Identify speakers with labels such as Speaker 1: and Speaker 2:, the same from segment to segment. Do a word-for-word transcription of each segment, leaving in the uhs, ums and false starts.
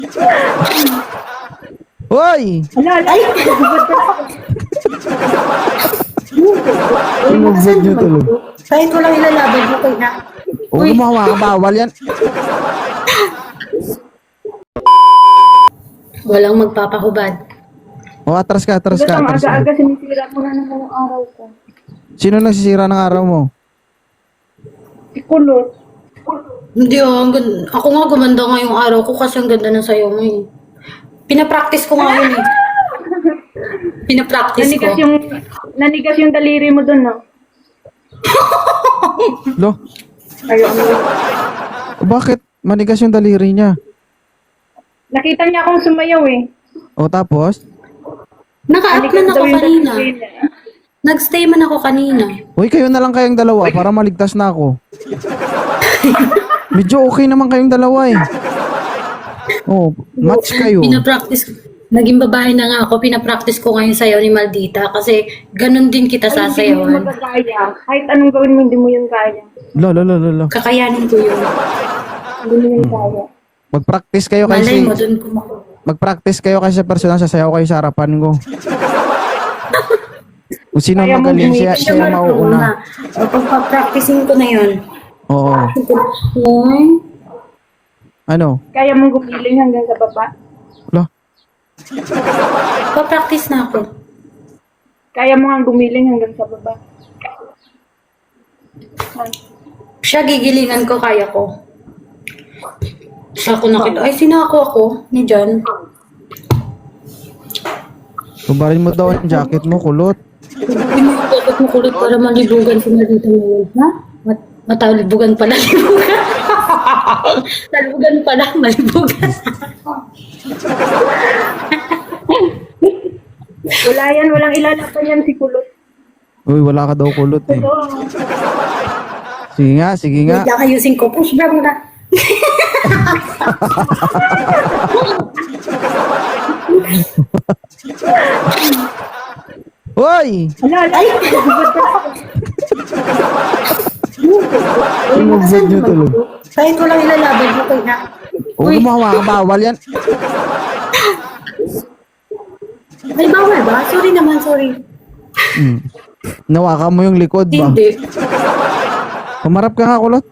Speaker 1: Hoy!
Speaker 2: Ala, ala. Ay!
Speaker 1: Tinubod niyo tuloy.
Speaker 2: Kahit walang ilalaban mo kayo na.
Speaker 1: Huwag mo hawakan, bawal yan.
Speaker 2: Walang magpapahubad.
Speaker 1: O, atras ka, atras ka,
Speaker 3: Ang
Speaker 1: atras ka.
Speaker 3: aga-aga sinisira mo na naman ang araw ko.
Speaker 1: Sino nagsisira ng araw mo?
Speaker 3: Ikulot.
Speaker 2: Hindi oh, ang ganda. Ako nga gumanda nga yung araw ko kasi ang ganda ng sayo mo eh. Pinapractice ko nga yun eh. Pinapractice ko.
Speaker 3: Nanigas yung, nanigas yung daliri mo dun, no?
Speaker 1: Lo,
Speaker 3: Ayaw mo.
Speaker 1: bakit manigas yung daliri niya?
Speaker 3: Nakita niya akong sumayaw eh.
Speaker 1: O, tapos?
Speaker 2: Naka-up
Speaker 3: Nanigas
Speaker 2: man ako
Speaker 3: daw yung
Speaker 2: kanina.
Speaker 3: daliri niya.
Speaker 2: Nag-stay man ako kanina.
Speaker 1: Uy, kayo na lang kayong dalawa para maligtas na ako. Medyo okay naman kayong dalawa eh. Oh, match kayo.
Speaker 2: Pinapractice ko. Naging babae na nga ako. Pinapractice ko ngayon sayaw ni Maldita kasi ganun din kita
Speaker 3: Hindi mo
Speaker 2: sasayawan.
Speaker 3: magkakaya. Kahit anong gawin mo, hindi mo yun kaya.
Speaker 1: Lo, lo, lo, lo, lo.
Speaker 2: Kakayanin ko yun.
Speaker 3: Hindi mo yun kaya.
Speaker 1: Mag-practice kayo
Speaker 2: Malay
Speaker 1: kasi
Speaker 2: mo, dun kumakuha.
Speaker 1: mag-practice kayo kasi sa personal sasayaw kayo sa harapan ko. Kung sino
Speaker 3: Kaya mo
Speaker 1: magaling siya,
Speaker 3: gumiit
Speaker 1: siya yung mauuna.
Speaker 2: O, pagpa-practicing ko na yun.
Speaker 1: Oo.
Speaker 2: Uy,
Speaker 1: Ano?
Speaker 3: Kaya mong gumiling hanggang sa baba.
Speaker 1: Lo.
Speaker 2: pa-practice na ako.
Speaker 3: Kaya mo nga gumiling hanggang sa baba.
Speaker 2: Siya gigilingan ko, kaya ko. Siya ko nakita. Ay, sinako ako ni John.
Speaker 1: Tubarin mo daw ang jacket mo, kulot.
Speaker 2: Pinagkakot mo kulit para malibugan si Marita ngayon. Ha? Mat matalibugan pala, libugan. Talibugan pala, malibugan.
Speaker 3: Wala yan, walang ilalapan yan si Kulot.
Speaker 1: Uy, wala ka daw kulot eh.
Speaker 3: Oo.
Speaker 1: Sige nga, sige nga.
Speaker 2: Wait lang, ayusin ko. Push back na.
Speaker 1: Hoy!
Speaker 3: Ala, ala.
Speaker 2: Ay!
Speaker 1: Tinubod niyo tuloy.
Speaker 2: Kahit walang ilalaban mo kayo na.
Speaker 1: Huwag mo hawakan, bawal yan.
Speaker 2: Ay, bawal ba? Sorry naman, sorry.
Speaker 1: Hmm. Nawakan mo yung likod ba?
Speaker 2: Hindi.
Speaker 1: Humarap ka nga, kulot.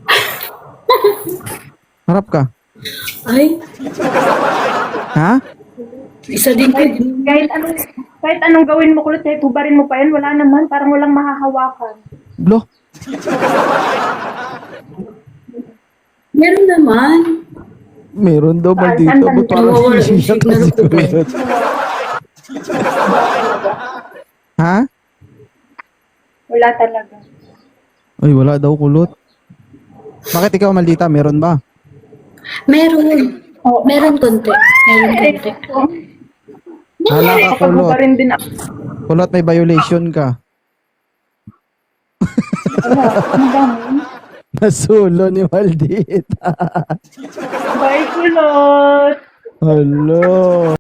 Speaker 1: Harap ka.
Speaker 2: Ay,
Speaker 1: Ha?
Speaker 2: isa din ko.
Speaker 3: Kahit anong, kahit anong gawin mo Kulot, kahit hubarin mo pa yan, wala naman. Parang walang mahahawakan.
Speaker 1: Lo.
Speaker 2: Meron naman.
Speaker 1: Meron daw ba
Speaker 3: Saan-
Speaker 1: dito?
Speaker 3: saan
Speaker 1: Ba't
Speaker 3: banda?
Speaker 1: parang
Speaker 2: Nawawala yung
Speaker 1: sisiya
Speaker 2: signal
Speaker 1: kasi
Speaker 2: ko ba?
Speaker 1: kulot? Ha?
Speaker 3: Wala talaga.
Speaker 1: Ay, wala daw kulot. Bakit ikaw, Maldita? Meron ba?
Speaker 2: Meron.
Speaker 3: Oo.
Speaker 2: Meron konti. Meron konti.
Speaker 1: Hala ka,
Speaker 3: Kapag
Speaker 1: kulot.
Speaker 3: hubarin din ako.
Speaker 1: Kulot, may violation ka.
Speaker 3: Wala. Ano ba mo?
Speaker 1: Nasulo ni Maldita.
Speaker 3: Bye, Kulot!
Speaker 1: Hello.